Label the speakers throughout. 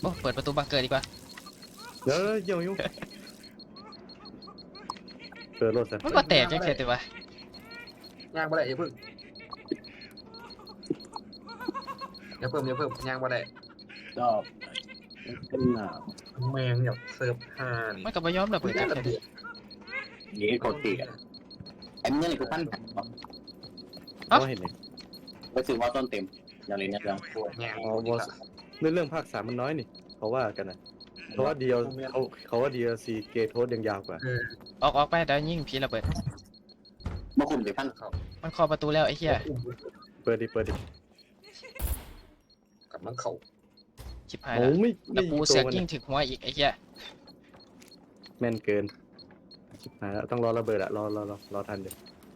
Speaker 1: โอ้เปิดประตูบังเกอร์ดีกว่า
Speaker 2: เดี๋ยวเยี่ยมยุ่งเปิดรถซะ
Speaker 1: มันมาแตกจังเสียแต่ว่า
Speaker 3: ย่างบ่ได้อย่าพึ่งย่างบ่ได้
Speaker 4: ก็เป็น
Speaker 3: แมงแบบเสิร์ฟห่านี่
Speaker 1: มันก็บ่ยอมระเบิดจัง
Speaker 3: ระ
Speaker 1: เสีย
Speaker 3: เบียบ
Speaker 4: นี้กดตีอ่ะไอ้เมื่อไหร่กูปั้น
Speaker 2: เอาเห็นเลย
Speaker 4: ไปซื้อว่าต้นเต็มอย่างนี้นะยัง
Speaker 3: ย่าง
Speaker 2: อ๋อบอสเรื่องภาค 3มันน้อยนี่เขาว่ากันนะเพราะว่าเดียวเขาว่า DLC เกทโทสยังยาวกว่า
Speaker 1: ออกไปเดี๋ยวยิงผีระเบิด
Speaker 4: เมื่อคุณไปปั้น
Speaker 1: มันเคาะประตูแล้วไอ้เหี้ย
Speaker 2: เปิดดิ
Speaker 3: กับมันเข่า
Speaker 1: ชิบหาย
Speaker 2: โอ้
Speaker 1: แล้ว
Speaker 2: ไม่
Speaker 1: แล้วกู
Speaker 2: ยิง
Speaker 1: เสือก
Speaker 2: ตัว
Speaker 1: ยิงถึงหัวอีกไอ้เหี้ย
Speaker 2: แม่นเกินชิบหายแล้วต้องรอระเบิดอะรอทันเดี๋ยว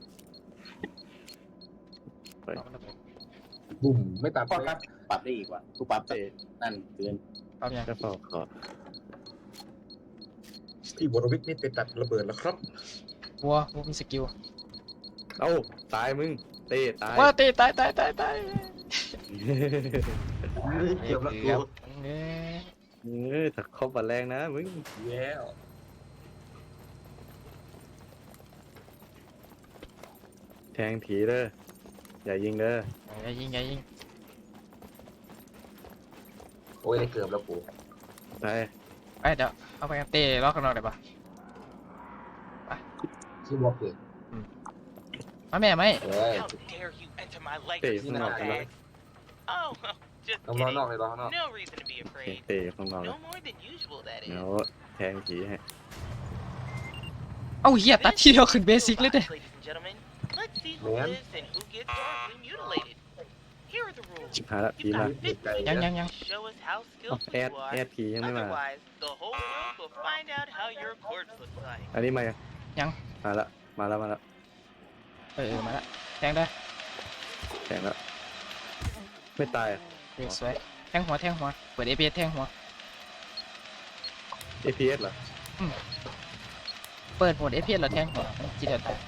Speaker 3: บุ่มไม่ตัด
Speaker 4: ก็ครับปรับได้อีกว่ะกูปรับ
Speaker 2: เตะ
Speaker 4: นั่นเกิน
Speaker 1: เอาอย่าง
Speaker 2: กระเป๋าขอ
Speaker 3: พี่วรวิทย์นี่ไปตัดระเบิดแล้วครับ
Speaker 1: วัวมีสกิล
Speaker 2: เอ้าตายมึงเตะตาย
Speaker 1: ว้าตีตาย
Speaker 3: เกือบละกู
Speaker 2: ถ้าเข้าบัดแรงนะมึง
Speaker 3: แล้ว
Speaker 2: แทงผีเด้ออย่ายิงเด้อ
Speaker 1: อย่ายิง
Speaker 3: โอ้ยได้เกือบแล้วกู
Speaker 2: ไป
Speaker 1: ไปเดี๋ยวเอาไปเต้ล็อกกันหน่อยได้ปะ
Speaker 3: ที่บอกเลย
Speaker 1: มาแม่ไหม
Speaker 3: เฮ้ย
Speaker 5: How dare you enter my
Speaker 2: เตะ
Speaker 5: Lakers
Speaker 2: ข้างนอกกันแล้ว
Speaker 5: bag? Oh, just
Speaker 3: ต้องรอนอก
Speaker 5: kidding.
Speaker 3: เลยรอนอก
Speaker 5: No reason to be afraid.
Speaker 2: เตะข้างนอกเล
Speaker 5: No
Speaker 2: ย
Speaker 5: more than usual, that
Speaker 2: เดี๋ยว
Speaker 5: is.
Speaker 2: แทงผีให้
Speaker 1: เอ้าเหี้ยตัดทีเดียวขึ้นเบสิกเลยเด้
Speaker 5: Ladies and gentlemen, let's see who lives and who gets horribly mutilated. Here are the rules.
Speaker 2: ชิบหายละผี
Speaker 5: You've
Speaker 2: มา
Speaker 5: got 50
Speaker 1: ยัง
Speaker 5: seconds to show us how
Speaker 2: อ๋อ
Speaker 5: skillful
Speaker 2: แอด
Speaker 5: you are.
Speaker 2: แอดผียังไม่มา
Speaker 5: Otherwise, the whole world will find out how your corpse looks like.
Speaker 2: อันนี้มายัง มาละมาละ
Speaker 1: มาละแทงได้
Speaker 2: แทงละไม่ตายอะ
Speaker 1: สวยแทงหัวเปิดเอพีแทงหัว
Speaker 2: APS เหรอ
Speaker 1: เปิดโหมดเอพีแล้วแทงหัวจีเดียวตาย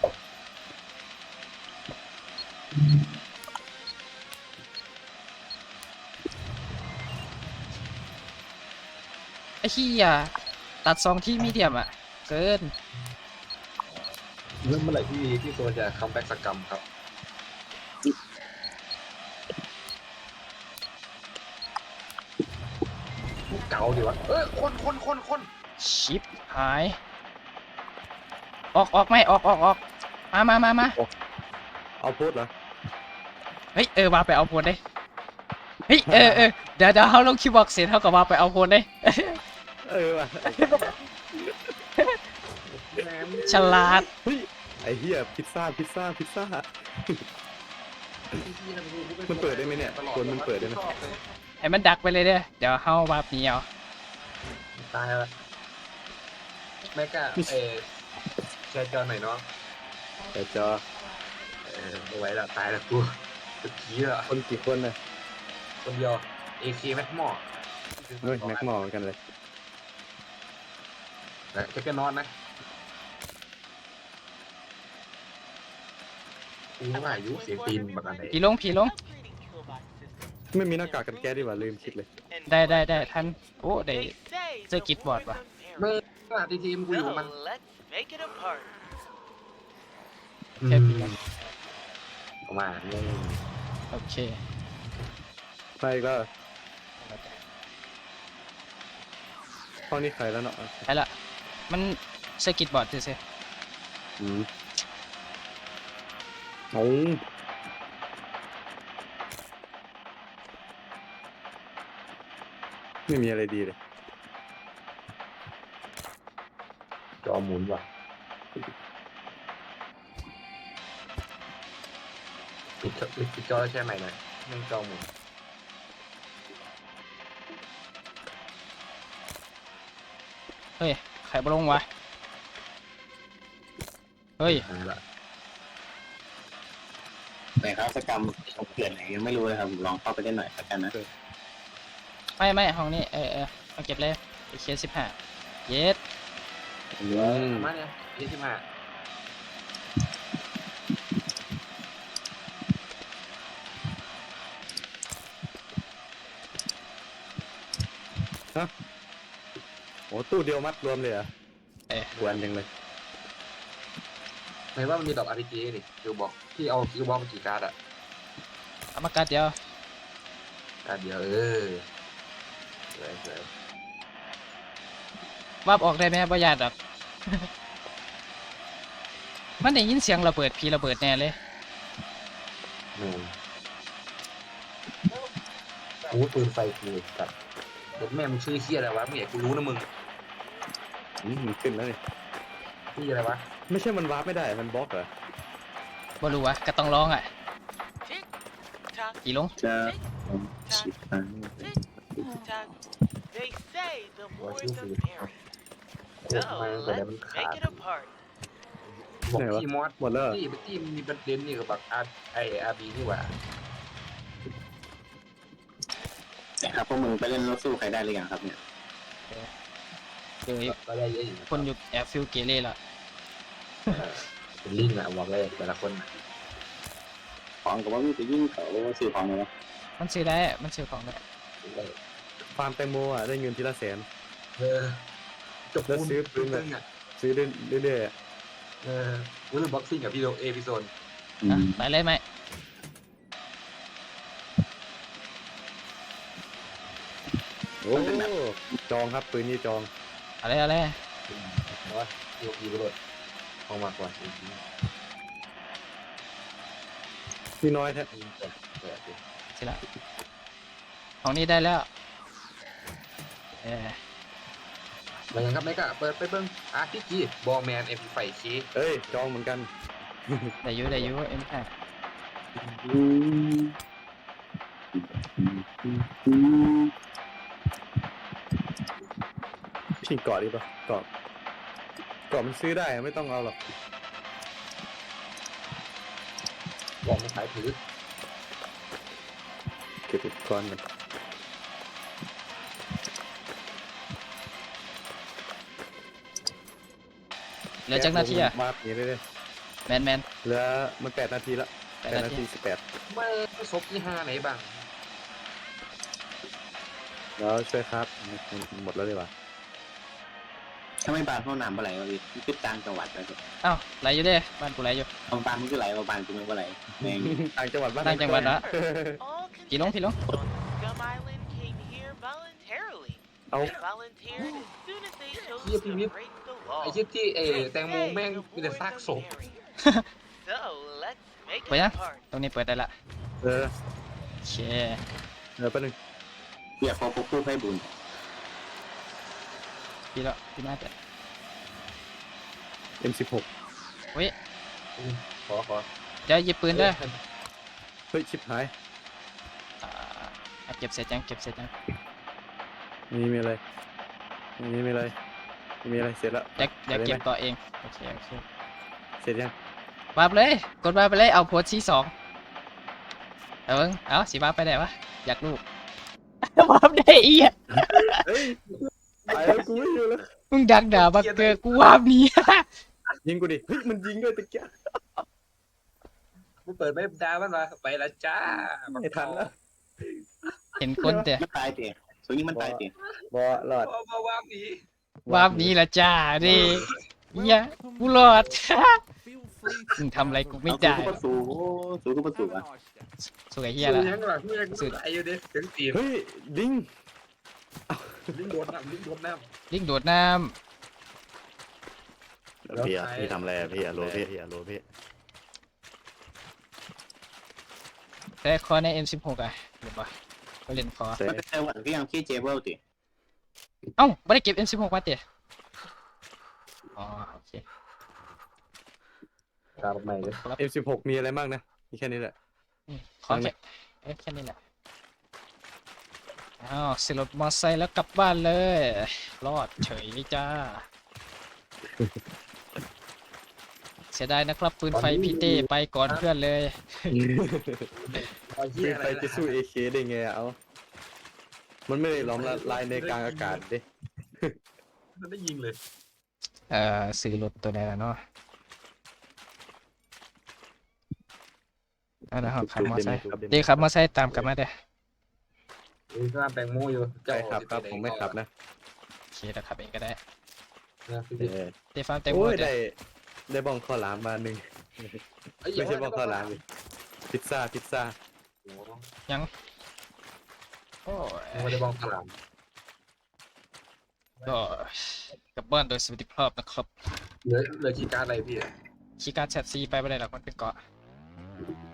Speaker 1: ไอ้เหี้ยตัดซองที่มีเดียมอ่ะเกิน
Speaker 3: เรื่องเมื่อไหร่ที่ตัวจะคัมแบ็กสกรรมครับเก่าดีวะคน
Speaker 1: ชิปหายออกไม่ออกมา
Speaker 2: เอาพูดเหรอ
Speaker 1: เฮ้ยว่าไปเอาโพนได้เฮ้ยเดี๋ยวเขาลงคิวบอกเสร็จเท่ากับว่าไปเอาโพนได้
Speaker 2: ว่ะ
Speaker 1: ฉลาด
Speaker 2: เฮ้ยไอ้เหี้ยพิซซ่ามันเปิดได้ไหมเนี่ยคนมันเปิดได้ไหม
Speaker 1: ให้มันดักไปเลยเด้อเดี๋ยวเขาวาบหนีเอา
Speaker 3: ตายแล้วไม่กล้าแชร์จอหน่อยเนาะ
Speaker 2: แต่จอ
Speaker 3: ไม่ไหวแล้วตายแล้วกูตะกี้อ่ะ
Speaker 2: คนกี่คนนะ
Speaker 3: คนเดียว AK แม็กมอ
Speaker 2: เฮ้ยแม็กมอเหมือนกันเลย
Speaker 3: แต่แค่ก็นอนนะกูว่าอายุเสียงตีนบักอันไหน
Speaker 1: ผีลง
Speaker 5: Upgrading killbox systems
Speaker 2: ไม่มีหน้ากากกันแก้ดีกว่าลืมคิดเลย
Speaker 5: and
Speaker 1: ได้ท่านโอ้ได้
Speaker 5: they say
Speaker 1: Sir
Speaker 5: the
Speaker 1: Kid
Speaker 5: more
Speaker 1: Board ว่ะ
Speaker 5: the
Speaker 3: ไม่
Speaker 5: merrier.
Speaker 3: ว่าทีมกูอยู่กับมัน
Speaker 5: So let's make it a party.
Speaker 1: แค่ผี
Speaker 3: ออกมาเนี่ย
Speaker 1: โอเค
Speaker 2: ไปก็ห้องนี้ใครแล้วเนาะ
Speaker 1: ไปละมันสกิตบอร์ดซื่อ
Speaker 2: โอ้ไม่มีอะไรดีเลย
Speaker 3: จอหมุนว่ะปิดจอแล้วใช่ไหมหน่อยมันจอหมุน
Speaker 1: เฮ้ยใครบลงวะเฮ้ย
Speaker 3: ละ
Speaker 4: แต่ครับสกรรมเกิดไหนยังไม่รู้เลยครับลองเข้าไปได้หน่อยละกันนะ
Speaker 1: ไม่ห้องนี้เอาเก็บเลยไอเค15เย็ด
Speaker 3: มาเนี่ย25
Speaker 2: โอ้ตู้เดียวมัดรวมเลยเหรอ
Speaker 1: เออ
Speaker 2: ควรยังเลย
Speaker 3: ไหนว่ามันมีดอก RPG นี่คิวบอกที่เอาคิวบอกมากี่การ์ดอะ
Speaker 1: เอามากัดเดียว
Speaker 3: การ์ดเดียวสวย
Speaker 1: วาบออกได้ไหมบ่ยากดอก มันได้ยินเสียงระเบิดพีระเบิดแน่เลย
Speaker 3: โอ้ปืนไฟกูกับรถแม่มึงชื่อเฮียอะไรวะมึงอยากกูรู้นะมึง
Speaker 2: มันขึ้นแล้วนี่
Speaker 3: ชื่ออะไรวะ
Speaker 2: ไม่ใช่มันวาร์ปไม่ได้มันบล็อกเหรอ
Speaker 1: บ่รู้วะก็ต้องร้องอ่ะ
Speaker 5: Tick tock,
Speaker 1: กี่ลง
Speaker 4: จะผมสิบครั้ง
Speaker 5: tick tock. They say the more the merrier.
Speaker 3: โคตรมาแต่แล้วมัน
Speaker 5: Let's
Speaker 3: ขาด
Speaker 5: make it a party.
Speaker 3: บอกที่มอส
Speaker 2: หมดแล้วเหรอ
Speaker 3: ที่มีประเด็นนี่กับแบบอาร์บีนี่หว่า
Speaker 4: ครับพวกมึงไปเล่นรถสู้ใครได้หรือยังครับเนี่ย
Speaker 1: เดี๋ยว
Speaker 3: ก็ได้เยอะอยู่
Speaker 1: คนอยู่แอบฟิลเกเรละ
Speaker 3: เป็นลิงอะบอกเลยแต่ละคน
Speaker 4: ของกับว่ามีไปยิ่งเขาซื้อของเลยวะ
Speaker 1: มันซื้อได้มันซื้อของได้
Speaker 2: ฟาร์มแตงโมอ่ะได้เงินทีละแสน
Speaker 3: จบ
Speaker 2: แล้วซื้อปืน
Speaker 3: ตึ้งอะ
Speaker 2: ซื้อเรื่อยๆอะ
Speaker 3: วุ้นบ็อกซิ่งกับพี่โดเอพิโซน
Speaker 1: อ่ะไปเลยไหม
Speaker 2: โอ้จองครับปืนนี่จอง
Speaker 1: อะไรอะไร
Speaker 3: เพราะว่าโยกีกระโดดออกมากกว่าจริง
Speaker 2: พี่น้อยแท้
Speaker 3: ๆยิงแตก
Speaker 1: สิละของนี้ได้แล้วเออ
Speaker 3: มายังครับไม่กล้าเปิดไปเบิ้งอาร์พีจีบอลแมนเอ็มไฟชี
Speaker 2: เอ้ยจองเหมือนกัน
Speaker 1: ได้อยูเอ็มแค่
Speaker 2: พี่เกาะดีป่ะเกาะมันซื้อได้อะไม่ต้องเอาหรอก
Speaker 3: บอลมันขายถือ
Speaker 2: เก็บอุปกรณ์กัน
Speaker 1: เหลือจักนาทีอ่ะ
Speaker 2: มาปีเรื่อย
Speaker 1: แมน
Speaker 2: ๆเหลือมัน8 นาทีละ
Speaker 1: 8
Speaker 2: 8 นาที
Speaker 3: ไม่ศพที่5ไหนบ้าง
Speaker 2: 18แล้วช่วยครับหมดแล้วดีกว่า
Speaker 4: ถ้าไม่บานห้องน้ำเมื่อไหร่วะพี่ปิดกลางจังหวัดไปเถอะ
Speaker 1: เอ้าไหลอยู่เด้บ้านกูไหลอยู่
Speaker 4: เอาบานมันก็ไหลเอาบานกูไม่ก็ไหลแม่ง
Speaker 2: ต่างจังหวัดบ้าน
Speaker 1: ต่างจังหวัดละ
Speaker 5: All
Speaker 1: Pilong, pilong.
Speaker 5: contestants on Scum Island came here voluntarily.
Speaker 2: เอา
Speaker 5: They volunteered as soon as they chose
Speaker 3: Iya,
Speaker 5: to
Speaker 3: Pimip.
Speaker 5: break the law.
Speaker 3: ไอ้ชิดที่แตงโม
Speaker 5: Hey,
Speaker 3: แม่ง
Speaker 5: the
Speaker 3: มีแต่
Speaker 5: more
Speaker 3: ซาก
Speaker 5: the
Speaker 3: ศพ
Speaker 5: merrier. So let's make
Speaker 1: ไป
Speaker 5: it
Speaker 1: ยั
Speaker 5: a
Speaker 1: ง
Speaker 5: party.
Speaker 1: ตรงนี้เปิดได้ละ
Speaker 2: เออ
Speaker 1: โอเค
Speaker 2: แป๊บนึง
Speaker 4: เรียกพอพวกผู้ให้บุญ
Speaker 1: พี่ละพี่มาแต่
Speaker 2: M16
Speaker 1: เฮ้ย
Speaker 3: ขอ
Speaker 1: เดี๋ยวหยิบปืนเด้อ
Speaker 2: เฮ้ยชิบหาย
Speaker 1: อ่าเก็บเสร็จยังเก็บเสร็จยัง
Speaker 2: นี่มีอะไรนี่มีอะไรมีอะไรเสร็จแล้ว
Speaker 1: เดี๋ยวเก็บต่อเองโอเคโอเค
Speaker 2: เสร็จยัง
Speaker 1: วาร์ปเลยกดวาร์ปไปเลยเอาโพสต์ที่2เอาสีวาร์ปไปไหนวะอยากรู้ วาร์ปได้อีอ่ะ
Speaker 2: เฮ้ยไปแล้วกูไม่อยู่แล้ว
Speaker 1: มึงดักด่าบักเกอร์กูวาร์ปหนี้
Speaker 2: ยิงกูดิเฮ้ยมันยิงด้วยตะเกียบ
Speaker 3: มึงเปิดไม่ดามันมาไปแล้วจ้า
Speaker 2: ไม่ทันแล้ว
Speaker 1: เห็นคนแต่
Speaker 4: มันตายเตะส่วนนี้มันตายเตะ
Speaker 2: บอหลอด
Speaker 3: มาวางหนี
Speaker 1: วาร์ปหนี้ละจ้าดิเฮียกูรอด มึงทำอะไรกูไม่ได้
Speaker 4: เอาสู้ก็ประสูอ่ะ
Speaker 1: สวยเฮีย
Speaker 3: สู้
Speaker 1: ละ
Speaker 3: ยังหลังสู้ยังไอ้อยู่ดิถึงตีน
Speaker 2: เฮ้ยลิง
Speaker 3: ลิงโดนน้ำ
Speaker 1: ลิงโดดน้
Speaker 2: พี่ทำอะไรพี่อะโลพี่อะโลพี่
Speaker 1: ำแต่คอใน M16 อ่ะเดี๋ยวปะก็เล่นคอ
Speaker 2: เสร็จ
Speaker 4: มันเป็นจังหวัดที่ยังขี้เจเบิลติ
Speaker 1: เอ้าไม่ได้เก็บ M16 มาเตะอ๋อโอเค
Speaker 3: กลับใหม่เลย
Speaker 2: เอ็ม16มีอะไรบ้างนะมีแค่นี้แหละ
Speaker 1: ขอแค่นี้แหละอ้าวสิรถมอไซค์แล้วกลับบ้านเลย รอดเฉยจ้า เสียดายนะครับปืนไฟพี่เต้ไปก่อนเพื่อนเลย
Speaker 3: เฮี
Speaker 2: ปื
Speaker 3: ย
Speaker 2: น
Speaker 3: อะ
Speaker 2: ไฟ
Speaker 3: ไร
Speaker 2: จะสู้เอเคได้ไงอะเอามันไม่ได้ล้อมละลายในกลางอากาศดิ
Speaker 3: มันได้ยิงเลย
Speaker 1: ซื้อรถตัวไหนล่ะเนาะเอาละครับขับมอไซค์เดี๋ยวขับมอไซค์ตามกลับมาเด้อ
Speaker 3: มีข้าวแปลงมูอยู่
Speaker 2: ใครขับครับผมไม่ขับนะ
Speaker 1: โอเคเดี๋ยวขับเองก็ได้
Speaker 3: นะพี่
Speaker 2: เอ
Speaker 3: บิ๊ก
Speaker 2: อ
Speaker 1: เตฟาร์มเต็มหม
Speaker 2: โอ้
Speaker 1: ด
Speaker 2: ย
Speaker 1: เลย
Speaker 2: ได้บ้องข้าวหลามมาหนึ่งไม่ใช่บ้องข้าวหลามดิพิซซ่า
Speaker 1: ยังโอ้ย
Speaker 3: ไม่ได้บ้องขลาม
Speaker 1: ก็กลับบ้านโดยสวัสดิภาพนะครับ
Speaker 3: เหลือคีย์การ์ดอะไรพี่
Speaker 1: คีย์การ์ดแชทซีไปไม่ได้หรอกมันเป็นเกาะ